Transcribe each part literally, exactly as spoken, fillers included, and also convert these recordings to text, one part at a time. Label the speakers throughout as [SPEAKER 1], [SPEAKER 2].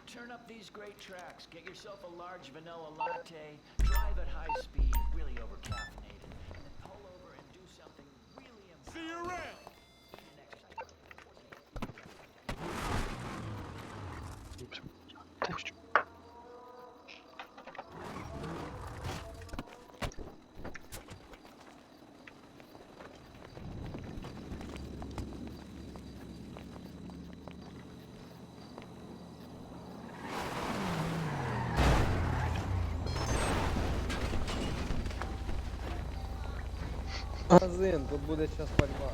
[SPEAKER 1] Turn up these great tracks. Get yourself a large vanilla latte. Drive at high speed, really overcaffeinated, and then pull over and do something really important. See you around. Eat and exercise.
[SPEAKER 2] Магазин, тут буде час пальба.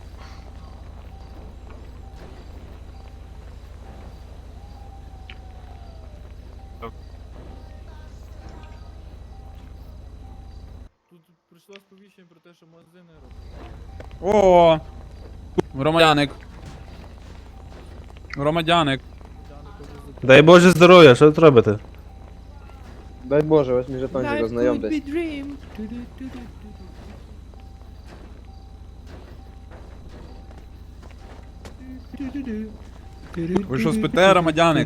[SPEAKER 3] Тут прийшло сповіщення про те, що магазин не робить.
[SPEAKER 4] О, громадяник. Громадяник.
[SPEAKER 5] Дай Боже здоров'я, що тут робите?
[SPEAKER 2] Дай Боже, ось мій жетончик, ознайомтесь.
[SPEAKER 4] Ви що спите, громадяник?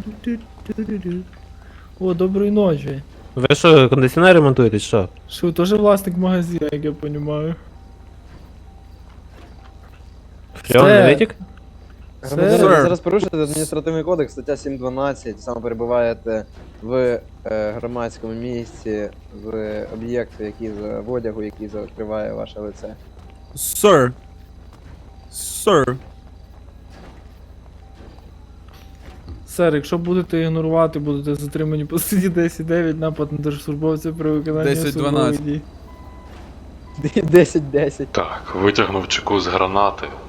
[SPEAKER 3] О, доброї ночі.
[SPEAKER 5] Ви що, кондиціонер ремонтуєте, чи що?
[SPEAKER 3] Що, теж власник магазину, як я розумію.
[SPEAKER 5] Фреон не витік?
[SPEAKER 2] Громадянин,
[SPEAKER 4] Sir.
[SPEAKER 2] ви зараз порушуєте адміністративний кодекс, стаття сім дванадцять, саме перебуваєте в е, громадському місці, в об'єкті, який за в одягу, який закриває ваше лице.
[SPEAKER 4] Sir. Sir.
[SPEAKER 3] Сер, якщо будете ігнорувати, будете затримані по статті десять дев'ять, напад на держслужбовця при виконанні
[SPEAKER 4] десять
[SPEAKER 3] особливих
[SPEAKER 4] дванадцять.
[SPEAKER 3] дій.
[SPEAKER 2] десять десять.
[SPEAKER 6] Так, витягнув чеку з гранати,